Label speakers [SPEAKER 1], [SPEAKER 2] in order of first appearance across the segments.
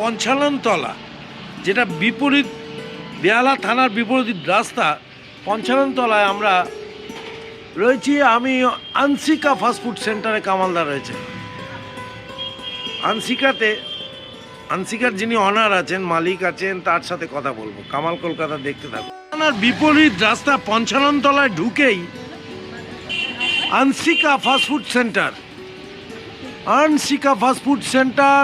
[SPEAKER 1] পঞ্চাননতলা, যেটা বিপরীত বেহালা থানার বিপরীত রাস্তা পঞ্চাননতলায় আমরা রয়েছি। আমি আনসিকা ফাস্টফুড সেন্টারে কামালদা রয়েছে। আনসিকার যিনি অনার আছেন, মালিক আছেন, তার সাথে কথা বলবো। কামাল কলকাতা দেখতে থাকবো। থানার বিপরীত রাস্তা পঞ্চাননতলায় ঢুকেই Ansika fast food centre. Ansika fast food centre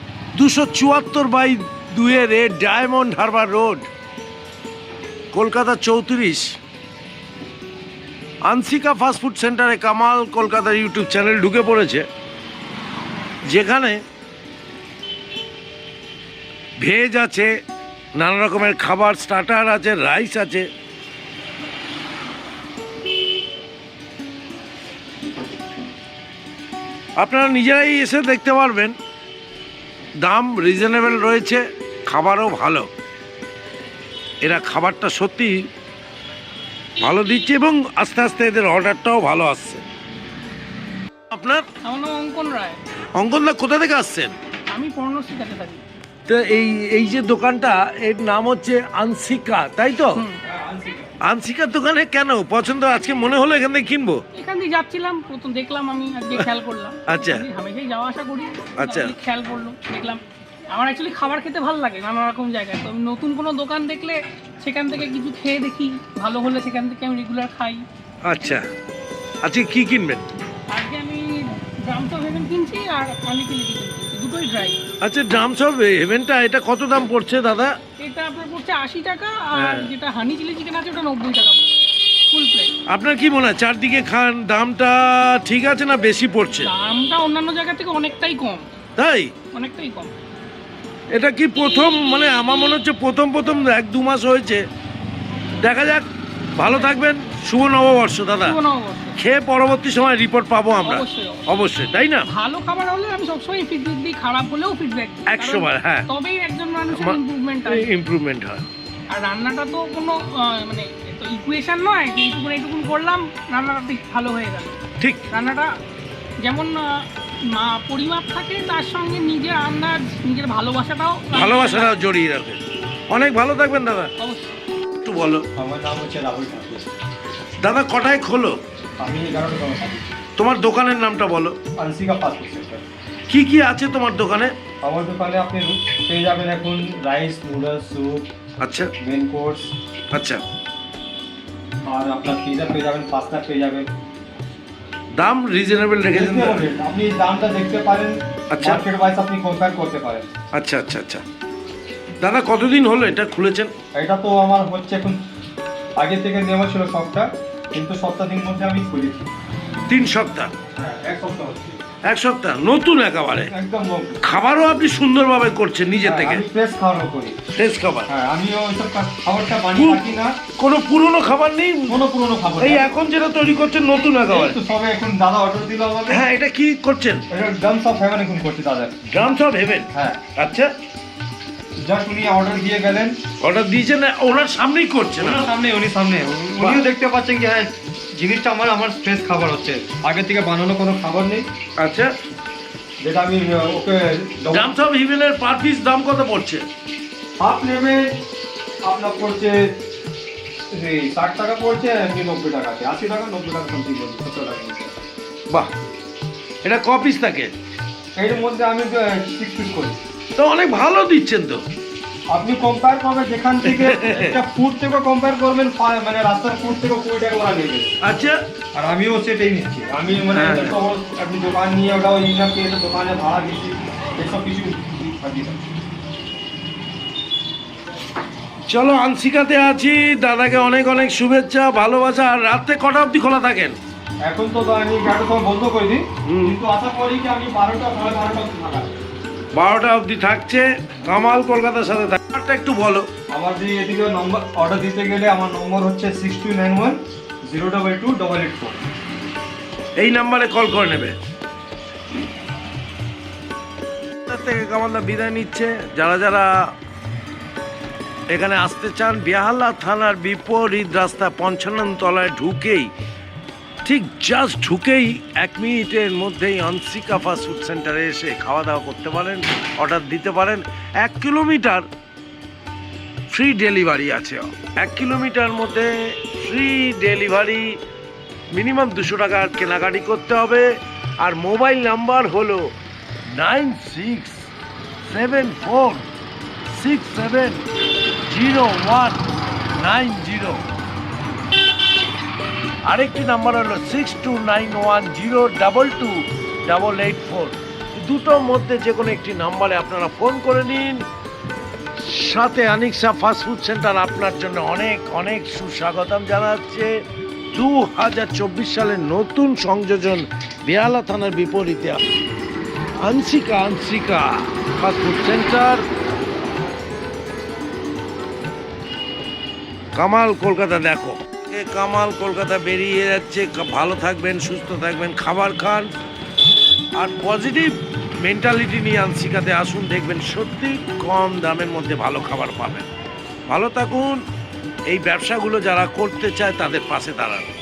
[SPEAKER 1] 274/2 Diamond Harbour Road, Kolkata 34। Ansika fast food সেন্টারে কামাল কলকাতার ইউটিউব চ্যানেল ঢুকে পড়েছে, যেখানে ভেজ আছে, নানা রকমের খাবার, স্টার্টার আছে, রাইস আছে। আপনারা নিজেরাই এসে দেখতে পারবেন, দাম রিজনেবল রয়েছে, খাবারও ভালো। এরা খাবারটা সত্যি ভালো দিচ্ছে এবং আস্তে আস্তে এদের অর্ডারটাও ভালো আসছে। আপনার?
[SPEAKER 2] আমার নাম অঙ্কন রায়।
[SPEAKER 1] অঙ্কন দা, কোথা থেকে আসছেন?
[SPEAKER 2] আমি পর্ণশ্রী কাছে থাকি।
[SPEAKER 1] তো এই যে দোকানটা, এর নাম হচ্ছে আনসিকা, তাই তো? আনসিকার দোকানে কেন পছন্দ? আজকে মনে হলো এখান থেকে কিনবো।
[SPEAKER 2] এখান দিয়ে যাচ্ছিলাম, প্রথম দেখলাম, আমি আজকে খেয়াল করলাম।
[SPEAKER 1] আচ্ছা।
[SPEAKER 2] হামেশাই যাওয়া আসা করি।
[SPEAKER 1] আচ্ছা।
[SPEAKER 2] খেয়াল করলো, দেখলাম। আমার অ্যাকচুয়ালি খাবার খেতে ভালো লাগে নানা রকম জায়গায়। তো আমি নতুন কোনো দোকান দেখলে সেখান থেকে কিছু খেয়ে দেখি, ভালো হলে সেখান থেকে আমি রেগুলার খাই।
[SPEAKER 1] আচ্ছা, আজকে কি কিনবেন?
[SPEAKER 2] আজকে আমি ড্রামস অফ হেভেন কিনছি আর অনেক কিনছি, দুটোই ড্রাই।
[SPEAKER 1] আচ্ছা, ড্রামস অফ হেভেনটা এটা কত দাম পড়ছে দাদা?
[SPEAKER 2] এটা আপনার পড়ছে 80 টাকা, আর যেটা হানি চিলি চিকেন আছে ওটা 90 টাকা পড়ছে ফুল প্লেট।
[SPEAKER 1] আপনার কি মনে হয় চারদিকে খান দামটা ঠিক আছে না বেশি পড়ছে?
[SPEAKER 2] দামটা অন্যান্য জায়গা থেকে অনেকটাই কম।
[SPEAKER 1] তাই?
[SPEAKER 2] অনেকটাই কম।
[SPEAKER 1] এটা কি প্রথম, মানে আমার মনে হচ্ছে প্রথম 1-2 মাস হয়েছে। দেখা যাক। ভালো থাকবেন, শুভ নববর্ষ দাদা।
[SPEAKER 2] শুভ নববর্ষ।
[SPEAKER 1] খেয়ে পরবর্তী সময় রিপোর্ট পাবো আমরা।
[SPEAKER 2] অবশ্যই।
[SPEAKER 1] অবশ্যই, তাই না?
[SPEAKER 2] ভালো খাবার হলে আমি সবসময় ফিডব্যাক দিই, খারাপ হলেও ফিডব্যাক দিই।
[SPEAKER 1] 100 বার, হ্যাঁ।
[SPEAKER 2] তবেই একজন মানুষের
[SPEAKER 1] ইমপ্রুভমেন্ট হয়।
[SPEAKER 2] আর রান্নাটা তো কোনো মানে তো ইকুয়েশন নয় যে এইটুকু করলাম রান্নাটা ঠিক ভালো হয়ে গেল।
[SPEAKER 1] ঠিক।
[SPEAKER 2] রান্নাটা যেমন পরিমাপ থাকে, তার সঙ্গে নিজের আন্দাজ, নিজের ভালোবাসাটাও
[SPEAKER 1] জড়িয়ে রাখে। অনেক ভালো থাকবেন দাদা।
[SPEAKER 2] অবশ্যই।
[SPEAKER 1] একটু বলো।
[SPEAKER 3] আমার নাম হচ্ছে রাহুল ঠাকুর।
[SPEAKER 1] দাদা কটায় খোলো?
[SPEAKER 3] আমি 11টা দোকান থাকি।
[SPEAKER 1] তোমার দোকানের নামটা বলো।
[SPEAKER 3] Ansika fast food centre.
[SPEAKER 1] কি কি আছে তোমার দোকানে?
[SPEAKER 3] আমার দোকানে আপনি পেয়ে যাবেন এখন রাইস, নুডলস, স্যুপ।
[SPEAKER 1] আচ্ছা।
[SPEAKER 3] Main course.
[SPEAKER 1] আচ্ছা।
[SPEAKER 3] আর আপনার পিজা পেয়ে যাবেন, পাস্তা পেয়ে যাবেন।
[SPEAKER 1] দাম রিজনেবল রেখেছেন?
[SPEAKER 3] আপনি দামটা দেখতে পারেন।
[SPEAKER 1] আচ্ছা।
[SPEAKER 3] মার্কেট ওয়াইজ আপনি কম্পেয়ার করতে পারেন।
[SPEAKER 1] আচ্ছা আচ্ছা আচ্ছা। দাদা কতদিন হলো এটা খুলেছেন?
[SPEAKER 3] এটা তো আমার হচ্ছে এখন আগে থেকে নেওয়া ছিল শপটা, কিন্তু সপ্তাহদিন মধ্যে আমি খুলেছি।
[SPEAKER 1] 3 সপ্তাহ?
[SPEAKER 3] হ্যাঁ, 1 সপ্তাহ হচ্ছে।
[SPEAKER 1] 1 সপ্তাহ? নতুন একেবারে?
[SPEAKER 3] একদম নতুন।
[SPEAKER 1] খাবারও আপনি সুন্দরভাবে করছেন নিজে থেকে?
[SPEAKER 3] আমি ফ্রেশ খাবার করি।
[SPEAKER 1] ফ্রেশ খাবার?
[SPEAKER 3] হ্যাঁ, আমিও ওইসব খাবারটা বানিয়ে রাখি না।
[SPEAKER 1] কোনো পুরনো খাবার নেই?
[SPEAKER 3] কোনো পুরনো খাবার
[SPEAKER 1] এই এখন যেটা তৈরি করছেন নতুন একেবারে?
[SPEAKER 3] তো সবে এখন দাদা অর্ডার দিল আমাকে।
[SPEAKER 1] হ্যাঁ, এটা কি করছেন?
[SPEAKER 3] এটা ড্রামস অফ হেভেন এখন করছি দাদা।
[SPEAKER 1] Drums of heaven?
[SPEAKER 3] হ্যাঁ।
[SPEAKER 1] আচ্ছা।
[SPEAKER 3] জাস্ট উনি অর্ডার দিয়ে গেলেন।
[SPEAKER 1] অর্ডার দিয়েছেন, ওনার সামনেই করছেন?
[SPEAKER 3] ওনার সামনে, উনিও দেখতে পাচ্ছেন কি হ্যাঁ জিনিসটা আমার ফ্রেশ খাবার হচ্ছে, আগে থেকে বানানো কোনো খাবার নেই।
[SPEAKER 1] আচ্ছা।
[SPEAKER 3] যেটা আমি ওকে
[SPEAKER 1] ড্রামস অফ হেভেনের পার পিস দাম কত পড়ছে?
[SPEAKER 3] হাফ নেবে আপনার পড়ছে 60 টাকা পড়ছে, এমনি 90 টাকা আছে, 80 টাকা 90 টাকা সামথিং বলছি, 70 টাকা নিচে।
[SPEAKER 1] বাহ, এটা ক পিস থাকে?
[SPEAKER 3] এর মধ্যে আমি 6 পিস করি।
[SPEAKER 1] তো অনেক ভালো দিচ্ছেন তো।
[SPEAKER 3] আপনি কম্পেয়ার করবেন যেখান থেকে একটা ফুড থেকে কম্পেয়ার করবেন, মানে রাস্তার ফুড থেকে 20 টাকা ওরা নেবে।
[SPEAKER 1] আচ্ছা।
[SPEAKER 3] আর আমিও সেটাই নিচ্ছি। আমি মানে আপনি দোকান নিয়ে ওটাও ইনকাম পেয়ে দোকানে ভাড়া দিচ্ছি, এসব কিছু দিচ্ছি।
[SPEAKER 1] চলো, আনসিকাতে আছি। দাদাকে অনেক অনেক শুভেচ্ছা, ভালোবাসা। আর রাতে কটা অবধি খোলা থাকেন?
[SPEAKER 3] এখন তো আমি 11টার সময় বন্ধ করে দিই, কিন্তু আশা করি কি আমি 12টা সাড়ে 12টা অবধি থাকা।
[SPEAKER 1] 12টা অবধি থাকছে। কামাল কলকাতার সাথে নাম্বারটা একটু বলো।
[SPEAKER 3] আমার যে এদিকে নম্বর অর্ডার দিতে গেলে আমার নম্বর হচ্ছে 6291 022 884।
[SPEAKER 1] এই নাম্বারে কল করে নেবে। থেকে কামালদা বিদায় নিচ্ছে। যারা যারা এখানে আসতে চান, বেহালা থানার বিপরীত রাস্তা 55 তলায় ঢুকেই ঠিক জাস্ট ঢুকেই 1 মিনিটের মধ্যেই আনসিকা ফাস্ট ফুড সেন্টারে এসে খাওয়া দাওয়া করতে পারেন, অর্ডার দিতে পারেন। 1 কিলোমিটার ফ্রি ডেলিভারি আছে। 1 কিলোমিটার মধ্যে ফ্রি ডেলিভারি, মিনিমাম 200 টাকার কেনাকাটি করতে হবে। আর মোবাইল নাম্বার হলো 9674670190। আরেকটি নাম্বার হলো 6291022884। দুটোর মধ্যে যে কোনো একটি নাম্বারে আপনারা ফোন করে নিন। সাথে আনিকা ফাস্ট ফুড সেন্টার আপনার জন্য অনেক অনেক সুস্বাগতম জানাচ্ছে। 2024 সালের নতুন সংযোজন বেহালা থানার বিপরীতে Ansika fast food centre, Kamal Kolkata. দেখো কামাল কলকাতা বেরিয়ে যাচ্ছে। ভালো থাকবেন, সুস্থ থাকবেন, খাবার খান আর পজিটিভ মেন্টালিটি নিয়ে আনসিকাতে আসুন। দেখবেন সত্যি কম দামের মধ্যে ভালো খাবার পাবেন। ভালো থাকুন। এই ব্যবসাগুলো যারা করতে চায় তাদের পাশে দাঁড়ান।